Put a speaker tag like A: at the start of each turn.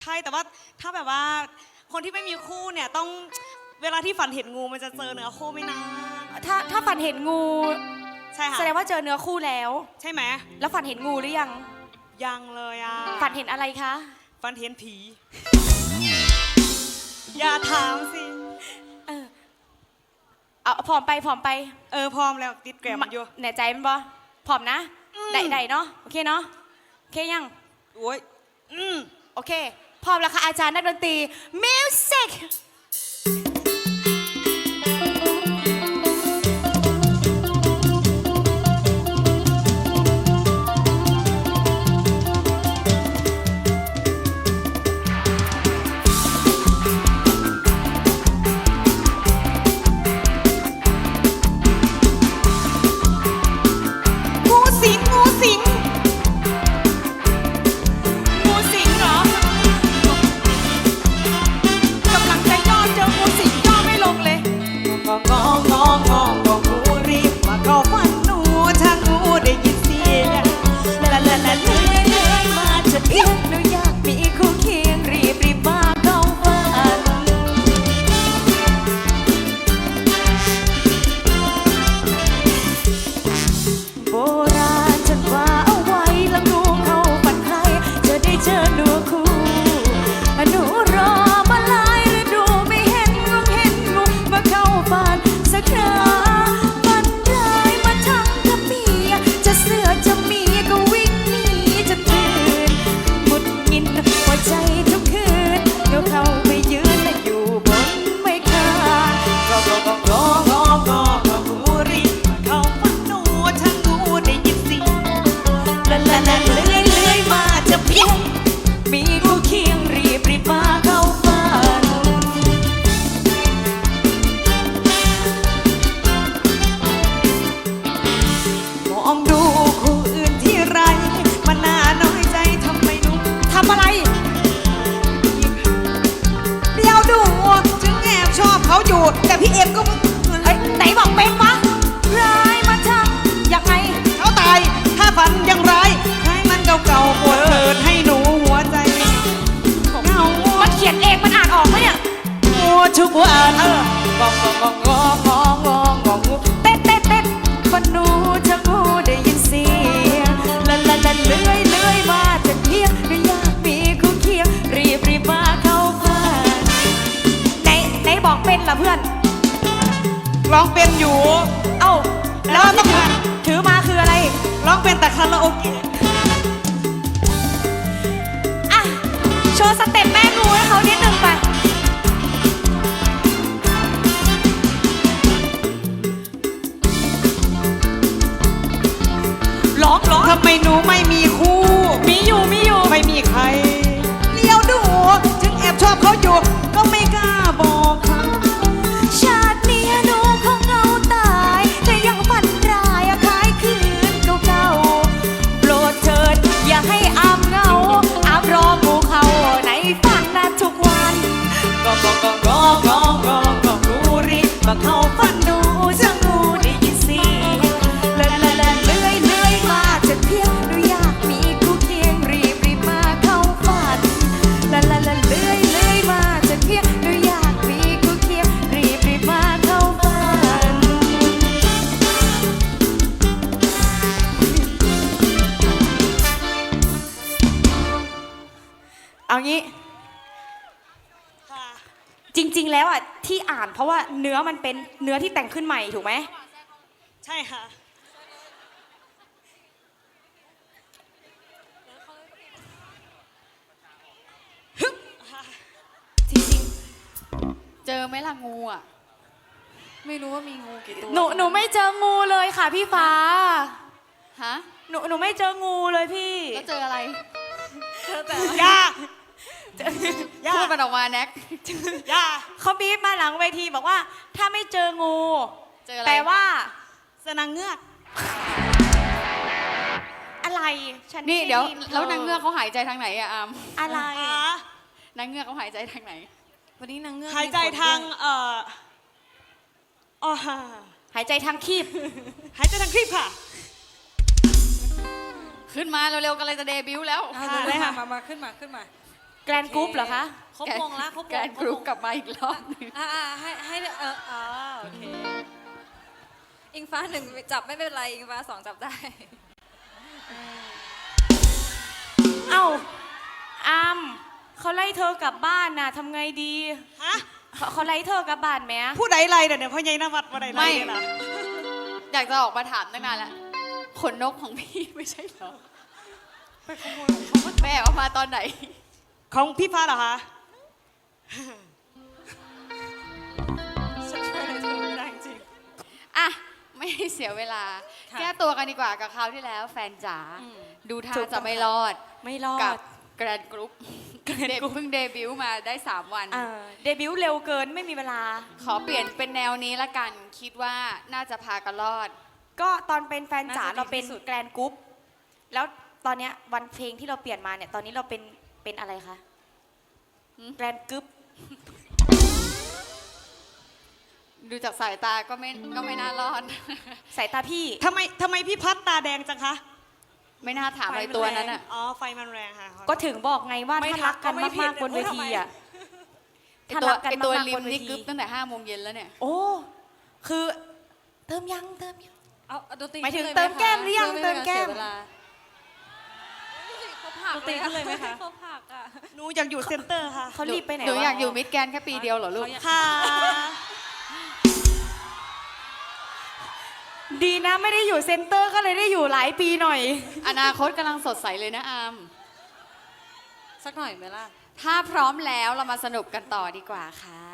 A: ใช่แต่ว่าถ้าแบบว่าคนที่ไม่มีคู่เนี่ยต้องเวลาที่ฝันเห็นงูมันจะเจอเนื้อคู่ไม่นาน
B: ถ้าฝันเห็นงู
A: ใช่ค่ะ
B: แสดงว่าเจอเนื้อคู่แล้ว
A: ใช่ไหม
B: แล้วฝันเห็นงูหรือยัง
A: ยังเลยอ่ะ
B: ฝันเห็นอะไรคะ
A: ฝันเห็นผี อย่าถามสิ
B: เอาผอมไปพร้อม
A: แล้วติดแกรมอยู่
B: แน่ใจมันบ่ผอมนะได้เนาะโอเคเนาะโอเคยัง
A: โอ้ย
B: โอเคพร้อมแล้วค่ะอาจารย์นักดนตรีมิวสิก
A: แต่พี่เอ็มก็
B: ไหนบอกเป็นวะร้ายมาทำยังไง
A: เขาตายถ้าฝันยังร้ายให้มันเก่าๆปวดเกิดให้หนูหัวใจเงา
B: มันเขียนเองมันอ่านออกไหมเนี่ย
A: หัวทุกวันงอ
B: เต้นคนหนูจะงูได้ยินเสียงละเลื่อยมาจะเที่ยงไม่อยากมีคู่เคียงรีบมาเข้าฝันไหนบอกเป็นล่ะเพื่อน
A: ร้องเป็นอยู่
B: เอ้าแล้วต้องถือมาคืออะไร
A: ร้องเป็นแต่คาราโอเกะ
B: อ่ะโชว์สเต็ปแม่งูให้เขานิดนึงไปร้อง
A: ทำไมหนูไม่มีคู่
B: มีอยู่
A: ไม่มีใครเลี้ยวดูถึงแอบชอบเขาอยู่ก็ไม่กล้าบอกเขา
B: ชาตินี้หนูคงเงาตายแต่ยังฝันร้ายคล้ายคืนเก่าโปรดเถิดอย่าให้อามเงาอามรองูเขาในฝันนะทุกวัน
A: ก็งูรีบมาเข้าฝัน
B: หนูจะงูได้ยินเสียงเลื่อยมาจะเที่ยงหนูอยากมีคู่เคียงรีบมาเข้าฝันเลื่อยมาจะเที่ยงหนูอยากมีคู่เคียงรีบมาเข้าฝันเอางี้จริงๆแล้วอ่ะที่อ่านเพราะว่าเนื้อมันเป็นเนื้อที่แต่งขึ้นใหม่ถูกไหม
A: ใช่ค่ะ
B: จริง
C: เจอไหมล่ะงูอ่ะไม่รู้ว่ามีงูกี่ตัว
B: หนูไม่เจองูเลยค่ะพี่ฟ้า
C: ฮะ
B: หนูไม่เจองูเลยพี่
C: แล้วเจออะไร
B: เจอแต่
A: ย่า
C: พูดมันออกมาแน็ก
A: ย่า
B: เขาบีบมาหลังเวทีบอกว่าถ้าไม่เจองูแปลว่า
A: สนางเงือก
B: อะไรฉัน
C: นี่เดี๋ยวแล้วนางเงือกเขาหายใจทางไหนอะอาม
B: อะไร
C: นางเงือกเขาหายใจทางไหน
B: วันนี้นางเงือก
A: หายใจทาง
B: หายใจทางคีบ
A: หายใจทางคีบค่ะ
C: ขึ้นมาเร็วๆกันเลยจะเดบิวต์แล้ว
A: ได้ค่ะ
D: มาขึ้นมา
B: แกรนกรุ๊ปเหรอคะ
D: ครบวงละครบวง
C: แกรนกรุ๊ปกลับมาอีกรอบหนึง
D: ให้โอเค อิงฟ้าหนึ่งจับไม่เป็นไร อิงฟ้าสองจับได้
B: เอ้าอามเขาไล่เธอกลับบ้านน่ะทำไงดี
A: ฮะ
B: เขาไล่เธอกลับบ้านไหม
A: ผู้ใดไรเดี๋ยวพ่อใหญ่นวัดว่าใดไรเนี่ยล่ะ
C: อยากจะออกมาถามตั้งนานแล้วขนนกของพี่ไม่ใช่เหรอ
A: ไปขโมยของเขา
C: แม่เอามาตอนไหน
A: ของพี่ฟ้าเหรอคะฉันช่วยอะไรเธอไม่ได้จริง
C: อ่ะ ไม่ให้เสียเวลา
D: ค่ะ
C: แก้ตัวกันดีกว่ากับคราวที่แล้ว แฟนจ๋าดูท่าจะไม่รอด
B: ไม่รอ
C: กับ
B: ด
C: แกรนกรุ๊ปเพิ่งเดบิวต์มาได้ 3 วัน
B: เดบิวต์เร็วเกินไม่มีเวลา
C: ขอเปลี่ยนเป็นแนวนี้ละกัน คิดว่าน่าจะพากันรอด
B: ก็ตอนเป็นแฟนจ๋า
D: น่าจะดี
B: เราเป็น
D: ที่สุด
B: แกรนกรุ๊ปแล้วตอนเนี้ยวันเพลงที่เราเปลี่ยนมาเนี่ยตอนนี้เราเป็นอะไรคะ
C: หืม
B: แกรนกรุ๊ป
C: ดูจากสายตาก็ไม่น่ารอด
B: สายตาพี่
A: ทำไมพี่พัดตาแดงจังคะ
C: ไม่น่าถามอะไรตัวนั้นอ่ะ
A: อ๋อ ไฟมันแรงค่ะ
B: ก็ถึงบอกไงว่า
D: ไม่
B: ถ้ารักกัน
D: ทักก็ไม่ผิด
B: มากๆบนเวทีอ่ะ
C: ไอ
B: ถ้า
C: ตัว
B: รักกัน
C: ไอตัว
B: มาก
C: ริ
B: ๆบ
C: ม
B: นเว
C: นี่
B: ที
C: กึ๊บตั้งแต่5 โมงเย็นแล้วเนี่ย
B: โอ้คือเติมยัง
D: เอาดนตรี
B: หมายถึง
D: ขึ้นล
B: เติมแก้มห
D: ไห
B: รือยัง
D: พื่
B: เติมแก้ม
D: ไให้สียเวลาเขาผัก
B: ดนตรีขึ้นเลยไหมคะ
D: เขาผักอ่ะ
A: หนูอยากอยู่เซ็นเตอร์ค่ะ
B: เขารีบไปไหน
C: หนู
B: วะ
C: อยากอยู่มิดแกรนด์แค่ปีเดียวเหรอลูก
A: ค่ะ
B: ดีนะไม่ได้อยู่เซ็นเตอร์ก็เลยได้อยู่หลายปีหน่อย
C: อนาคตกำลังสดใสเลยนะอาม
D: สักหน่อยไหมล่ะ
C: ถ้าพร้อมแล้วเรามาสนุกกันต่อดีกว่าค่ะ